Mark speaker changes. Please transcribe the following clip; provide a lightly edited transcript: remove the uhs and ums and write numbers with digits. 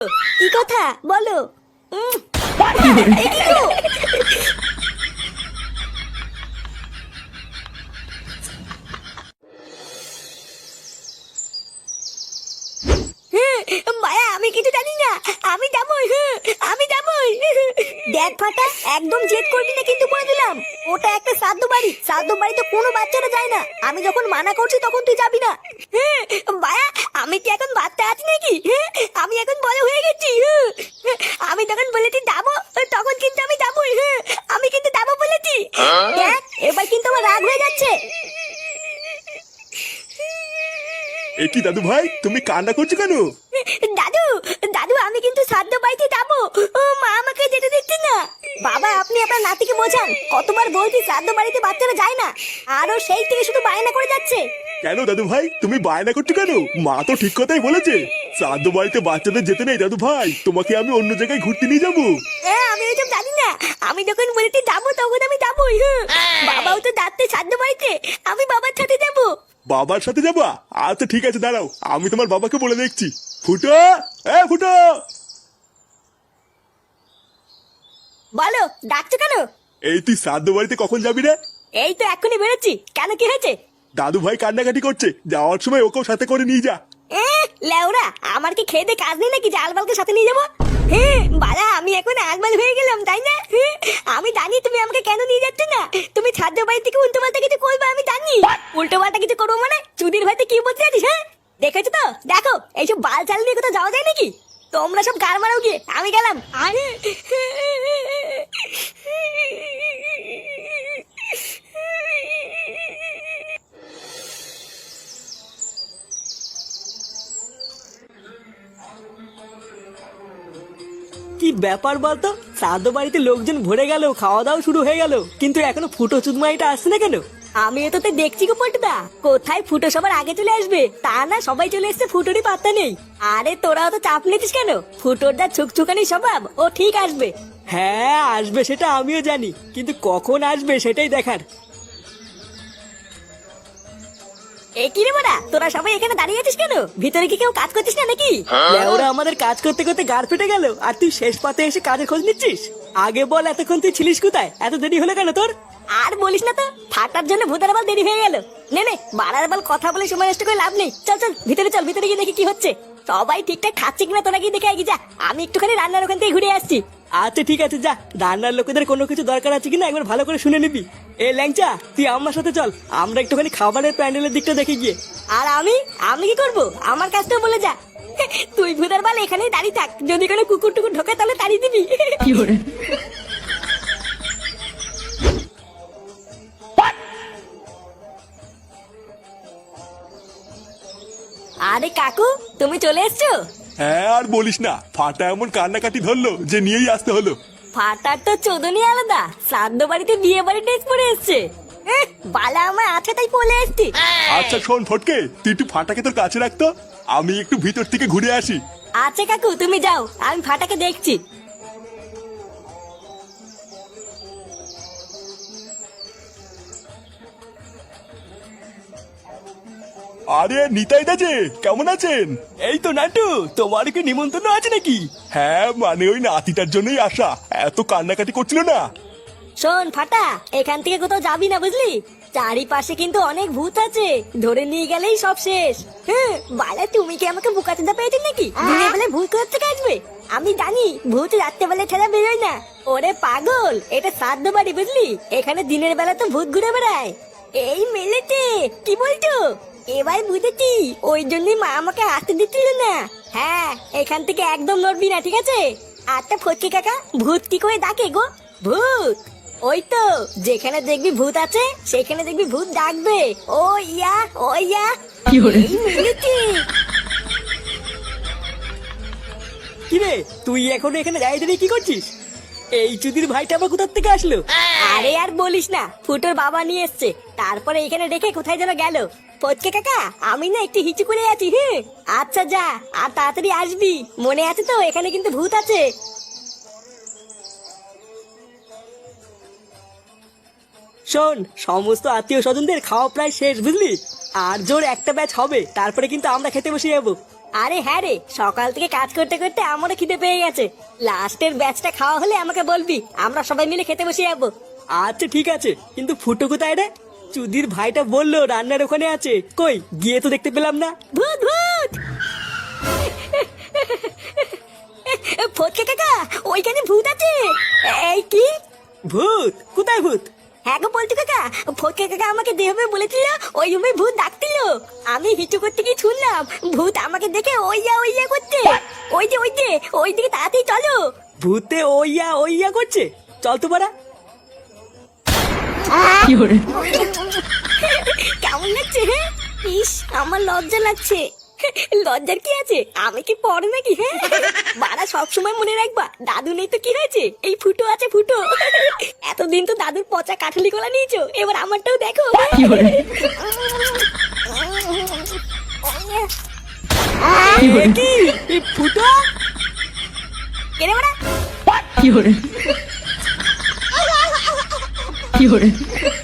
Speaker 1: কি কথা বলো? এই কি গো? মায়া, আমি কিছু জানি না। আমি যাবই, আমি যাবই। দেখ ফাটা, একদম জেদ করবি না কিন্তু বলে দিলাম। ওটা একটা শ্রাদ্ধ বাড়ি, শ্রাদ্ধ বাড়িতে কোনো বাচ্চারা যায় না। আমি যখন মানা করছি তখন তুই যাবি না। মায়া, আমি কি এখন বাচ্চা আছি নাকি? আমি এখন বড় হয়ে গেছি। আমি যখন বলেছি যাবো তখন কিন্তু আমি যাবই। আমি কিন্তু যাবো বলেছি। দেখ, এবার কিন্তু আমার রাগ হয়ে যাচ্ছে।
Speaker 2: এ কি দাদু ভাই, তুমি কান্না করছো কেন?
Speaker 1: দাদু, দাদু, আমি কিন্তু শ্রাদ্ধ বাড়িতে যাবো। ও মা আমাকে যেতে দিচ্ছে না। বাবা, আপনি আপনার নাতিকে বোঝান। কতবার বলছি শ্রাদ্ধ বাড়িতে বাচ্চারা যায় না, আরো সেই থেকে শুধু বায়না করে যাচ্ছে।
Speaker 2: কেন দাদু ভাই, তুমি বায়না করছো কেন? মা তো ঠিক কথাই বলেছে, শ্রাদ্ধ বাড়িতে বাচ্চাদের যেতে নেই। দাদু ভাই, তোমাকে আমি অন্য জায়গায় ঘুরতে নিয়ে যাবো।
Speaker 1: হ্যাঁ, আমি ওইসব জানি না। আমি যখন বলেছি যাবো তখন আমি যাবোই। বাবাও তো যাচ্ছে শ্রাদ্ধ বাড়িতে, আমি বাবার সাথে যাবো।
Speaker 2: বাবার সাথে যাবা? আচ্ছা ঠিক আছে, দাঁড়াও, আমি তোমার বাবাকে বলে দেখছি। ফুটো, এ ফুটো।
Speaker 1: বলো, ডাকছো কেন?
Speaker 2: এই তুই শ্রাদ্ধ বাড়িতে কখন যাবি রে?
Speaker 1: এই তো এখনই বেরোচ্ছি। কেন, কি হয়েছে?
Speaker 2: দাদু ভাই কান্নাকাটি করছে, যাওয়ার সময় ওকেও সাথে করে নিয়ে যা।
Speaker 1: লেওরা, আমার কি খেয়ে কাজ নেই নাকি যে আলবালকে সাথে নিয়ে যাবো? বালা, আমি এখন আলবাল হয়ে গেলাম তাই না? আমি জানি তুমি আমাকে কেন নিয়ে যাচ্ছ না। তুমি ছাদ্য বাড়ি থেকে উল্টো পাল্টা কিছু করবে, আমি জানি। উল্টো পাল্টা কিছু করবো মানে? চুদির ভাইতে কি বলতে জানিস? হ্যাঁ, দেখেছো তো, দেখো এইসব বাল চাল নিয়ে কোথাও যাওয়া যায় নাকি? তোমরা সব গার মারাও গিয়ে, আমি গেলাম। আরে
Speaker 3: কি ব্যাপার বলতো? শ্রাদ্ধ বাড়িতে লোকজন ভরে গেল, খাওয়া দাওয়া শুরু হয়ে গেল, কিন্তু এখনো ফুটো চুদমাইটা আসছে না কেন?
Speaker 1: আমি এততে দেখছি গো পল্টুদা, কোথায় ফুটো সবার আগে চলে আসবে তা না, সবাই চলে এসছে, ফুটোরই পাত্তা নেই। আরে তোরাও তো চাপ নিতিস কেন? ফুটোর যা ছুকছুকানি স্বভাব, ও ঠিক আসবে।
Speaker 3: হ্যাঁ আসবে, সেটা আমিও জানি, কিন্তু কখন আসবে সেটাই দেখার।
Speaker 1: এ কি রে বড়া, তোরা সবাই এখানে দাঁড়িয়ে আছিস কেন? ভিতরে কি কেউ কাজ করছিস না নাকি?
Speaker 3: ওরা আমাদের কাজ করতে করতে গাড় ফেটে গেল, আর তুই শেষ পাতে এসে কাজের খোঁজ নিচ্ছিস? আগে বল, এতক্ষণ তুই ছিলিস কোথায়? এত দেরি হলো কেন তোর?
Speaker 1: আর বলিস না তো, ফাটার জন্য ভূতার বাল দেরি হয়ে গেল। নে নে, বাড়ার বাল কথা বলে সময় নষ্ট করে লাভ নেই। চল চল ভিতরে চল, ভিতরে গিয়ে দেখি কি হচ্ছে। সবাই ঠিকঠাক খাচ্ছে কিনা তোরা গিয়ে দেখে আগে যা। আমি একটুখানি রান্নার ওখান থেকে ঘুরে আসছি।
Speaker 3: আচ্ছা ঠিক আছে, যা। রান্নার লোকেদের কোনো কিছু দরকার আছে কিনা একবার ভালো করে শুনে নিবি। এ ল্যাংচা, তুই আমার সাথে চল, আমরা একটুখানি খাবারের প্যান্ডেলের দিকটা দেখে গিয়ে।
Speaker 1: আর আমি আমি কি করব? আমার কাজটাও বলে যা। তুই ভূতার বাল এখানেই দাঁড়িয়ে থাক, যদি কোনো কুকুর টুকুর ঢোকে তাহলে তাড়িয়ে দিবি। আরে কাকু, তুমি চলে এসছো?
Speaker 2: হ্যাঁ, আর বলিস না, ফাটা এমন কান্নাকাটি ধরলো যে নিয়েই আসতে হলো।
Speaker 1: ফাটার তো চোদনই আলাদা, শ্রাদ্ধ বাড়িতে বিয়ে বাড়ি ড্রেস পরে এসছে। বালা আমার আছে তাই পলে এসছি।
Speaker 2: আচ্ছা শোন ফটকে, তুই একটু ফাটাকে তোর কাছে রাখতো, আমি একটু ভিতর থেকে ঘুরে আসি।
Speaker 1: আচ্ছা কাকু, তুমি যাও, আমি ফাটাকে দেখছি।
Speaker 2: আরে নিতাই দা যে, কেমন আছেন?
Speaker 3: এই তো নাটু, তোমার কি নিমন্ত্রণ আছে নাকি?
Speaker 2: হ্যাঁ মানে ওই নাতিটার জন্যই আসা, এত কান্নাকাটি করছিল না।
Speaker 1: শোন ফাটা, এখান থেকে কোথাও যাবি না বুঝলি? চারিপাশে কিন্তু অনেক ভূত আছে, ধরে নিয়ে গেলেই সব শেষ। বালা, তুমি কি আমাকে বোকাচোদা পেয়েছো নাকি? দিনের বেলায় ভূত কোথা থেকে আসবে? আমি জানি ভূত রাত্রে বেলায় ছেড়া বেরোয় না। ওরে পাগল, এটা শ্রাদ্ধ বাড়ি বুঝলি, এখানে দিনের বেলা তো ভূত ঘুরে বেড়ায়। এই মেলেতে কি বলছো? এবার বুঝেছি, ওই জন্যই মা আমাকে আসতে দিচ্ছিল না। হ্যাঁ, এখান থেকে একদম নড়বি না, ঠিক আছে? আচ্ছা ফটকে কাকা, ভূত কি করে ডাকে গো? ভূত ওই তো, যেখানে দেখবি ভূত আছে সেখানে দেখবি ভূত ডাকবে। ও ইয়া, ও ইয়া। এই মিলেছি।
Speaker 3: কি রে, তুই এখনো এখানে দাঁড়িয়ে দাঁড়িয়ে কি করছিস? এই চুদির ভাইটা আবার কোথার থেকে আসলো?
Speaker 1: আরে আর বলিস না, ফুটোর বাবা নিয়ে এসছে, তারপরে এখানে রেখে কোথায় যেন গেল। ফটকে কাকা, আমি না একটু হিচু করে আছি। আচ্ছা যা, আর তাড়াতাড়ি আসবি, মনে আছে তো এখানে কিন্তু ভূত আছে।
Speaker 3: শোন, সমস্ত আত্মীয় স্বজনদের খাওয়া প্রায় শেষ বুঝলি, আর জোর একটা ব্যাচ হবে, তারপরে কিন্তু আমরা খেতে বসে যাবো।
Speaker 1: আরে হ্যাঁ রে, সকাল থেকে কাজ করতে করতে আমারও খিদে পেয়ে গেছে। লাস্টের ব্যাচটা খাওয়া হলে আমাকে বলবি, আমরা সবাই মিলে খেতে বসে যাবো।
Speaker 3: আচ্ছা ঠিক আছে, কিন্তু ফুটো কোথায় রে? চুদির ভাইটা বললো রান্নার ওখানে আছে, কই গিয়ে তো দেখতে পেলাম না।
Speaker 1: ভূত ভূত ফটকে কাকা, ওইখানে ভূত আছে। এই কি?
Speaker 3: ভূত? কোথায় ভূত?
Speaker 1: হ্যাঁ গো পল্টু কাকা, ফটকে কাকা আমাকে দেবে বলেছিল, ওই রুমে ভূত ডাকছিল। আমি হিচু করতে গিয়ে শুনলাম ভূত আমাকে দেখে ওইয়া করতে। ওই দিকে তাড়াতাড়ি চলো।
Speaker 3: ভূতে ওইয়া করছে, চল তো পারা।
Speaker 1: কেমন লাগছে? হ্যাঁ, ইস আমার লজ্জা লাগছে। লজ্জার কি আছে, আমি কি পড়ে নাকি? হ্যাঁ, বাড়া সবসময় মনে রাখবা, দাদু নেই তো কি হয়েছে, এই ফুটো আছে ফুটো। এতদিন তো দাদুর পচা কাঠালি গোলা নিয়েছো, এবার আমারটাও দেখো।
Speaker 3: কি এই ফুটো?
Speaker 1: কেনে বাড়া?
Speaker 4: কি hore